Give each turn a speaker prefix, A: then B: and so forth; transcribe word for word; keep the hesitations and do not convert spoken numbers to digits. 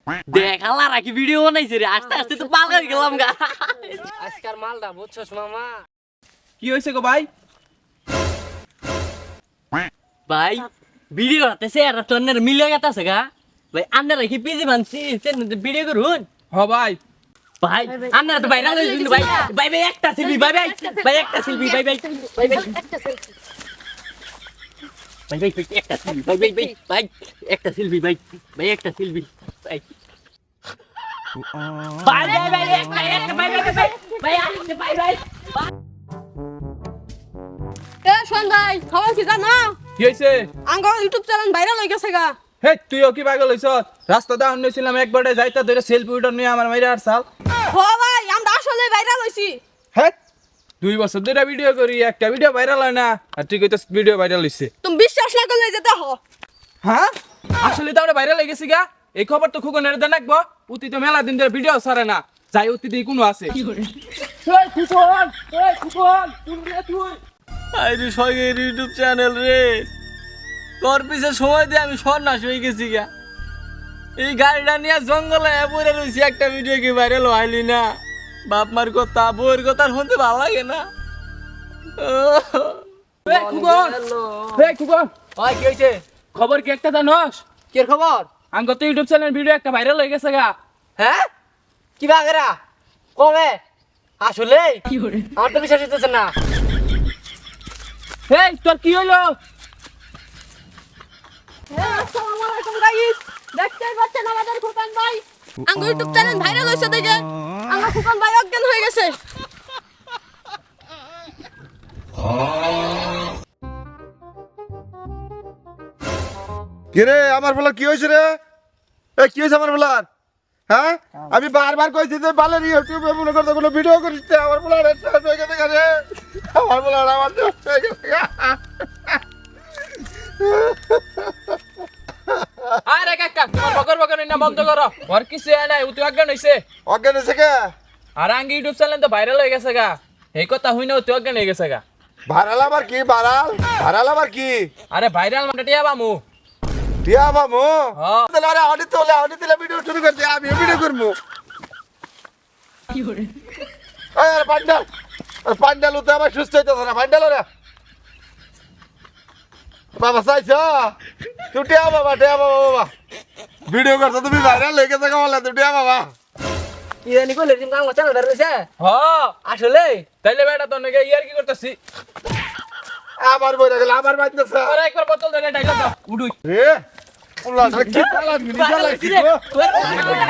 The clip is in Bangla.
A: দেখ আল্লাহ রাখি ভিডিও বানাইছে রে আস্তে আস্তে তো পাল হয়ে গেলাম গা
B: আজকার মালটা বুঝছস মামা
C: কি হয়েছে গো ভাই?
A: ভাই ভিডিও হতেছে আর তোর মিলে গেছে গা ভাই আন্না রাখি পিজি মানছি ভিডিও করুন
C: হ ভাই
A: ভাই আন্না তো ভাইরাল হইছিল ভাই ভাই ভাই একটা সেলফি ভাই ভাই ভাই একটা সেলফি ভাই ভাই ভাই ভাই একটা সেলফি ভাই ভাই একটা সেলফি ভাই ভাই ভাই ভাই একটা সেলফি ভাই ভাই একটা সেলফি ভাই ভাই ভাই ভাই একটা একটা ভাই ভাই ভাই ভাই একটা ভাই ভাই
D: এ শোন ভাই খবর কি জানো
C: কি হয়েছে?
D: আঙ্গ ইউটিউব চ্যানেল ভাইরাল হয়ে গেছে গা
C: হে তুইও কি পাগল হইছ? রাস্তাতে আনছিলাম একবারে যাইতা ধরে সেলফি উঠার নিয়ে আমার মাইরা আর সাল।
D: ও ভাই আমরা আসলে ভাইরাল হইছি
C: হে দুই বছর ধরে ভিডিও করি একটা ভিডিও ভাইরাল হয় না আর তুই কইতাস ভিডিও ভাইরাল হইছে।
D: তুমি বিশ্বাস না করলে যেতে হ
C: হ্যাঁ আসলে তো আমরা ভাইরাল হয়ে গেছি গা। এই খবর তো খুকুনের দেন রাখবো। উতি তো মেলা দিন ধরে ভিডিও ছাড়ে না। যাই উতি দিয়ে কোনো আছে কি করে? এই খুকুন এই খুকুন তুই রে তুই
A: আইরে সগের ইউটিউব চ্যানেল রে তোর পিছে সময় দিয়ে আমি সন্ন্যাস হয়ে গেছি গা এই গাড়িটা নিয়ে জঙ্গলে পড়ে রয়েছি একটা ভিডিও কি ভাইরাল হইলি না বাপ মার কথা বউয়ের কথা শুনতে ভালো লাগে না
C: এই খুকুন এই খুকুন
B: ওই কি হইছে
C: খবর কি একটা জানোস?
B: কি খবর
C: আঙ্গ তো ইউটিউব চ্যানেল ভিডিও একটা ভাইরাল হয়ে গেছে গা।
B: হ্যাঁ কি বাগেরা কবে আসলে কি করে আমার তো বিশ্বাস হইতেছে না
C: এই তোর কি হইলো?
D: আসসালামু আলাইকুম গাইস দেখতেই পাচ্ছেন আমাদের ফুকান ভাই আঙ্গ ইউটিউব চ্যানেল ভাইরাল হইছে দেখে আঙ্গ ফুকান ভাই অজ্ঞান হয়ে গেছে
E: কিরে আমার বলার কি হয়েছে রে? এ কি হয়েছে আমার বলার? হ্যাঁ আমি বারবার কইছি যে বালের ইউটিউবে মনে করতে কোনো ভিডিও করিস না। আমার বলার শেষ হয়ে গেছে কাছে আমার বলার আমার শেষ হয়ে গেছে।
C: আরে কাকা তোমার বকর বকর না বন্ধ করো। ওর কিছু নাই উতি অজ্ঞান হইছে।
E: অজ্ঞান হয়েছে কে?
C: আর আঙ্গি ইউটিউব চ্যানেল তো ভাইরাল হয়ে গেছে গা। এই কথা হই না উতি অজ্ঞান হয়ে গেছে গা।
E: ভাড়াল আবার কি ভাড়াল? ভাড়াল আবার কি?
C: আরে ভাইরাল মানে টিয়া বামু।
E: টিয়া বামু?
C: হ্যাঁ।
E: তাহলে আরে অডিট তোলে অডিট দিলে ভিডিও শুরু করতে আমি ভিডিও করবো।
D: কি করে
E: আরে পান্ডাল পান্ডাল উঠে আমার সুস্থ হইতেছে না পান্ডাল রে বাবা চাইছ তুই টিয়া বাবা টিয়া বাবা বাবা ভিডিও করছো তুমি ভাইরাল হয়ে গেছে বলে তুই টিয়া বাবা
B: কি জানি কইলে তুমি আমার চ্যানেলটা রইছে
C: হ্যাঁ
B: আসলে
C: তাইলে বেটা তো নাকি ইয়ার কি করতেছি?
E: আবার বইরা গেল আবার বাইতেছে
C: আরে একবার বোতল ধরে ডাইলা দাও উডুই।
E: রে ওলা কি চালান মিনি চালাইছি গো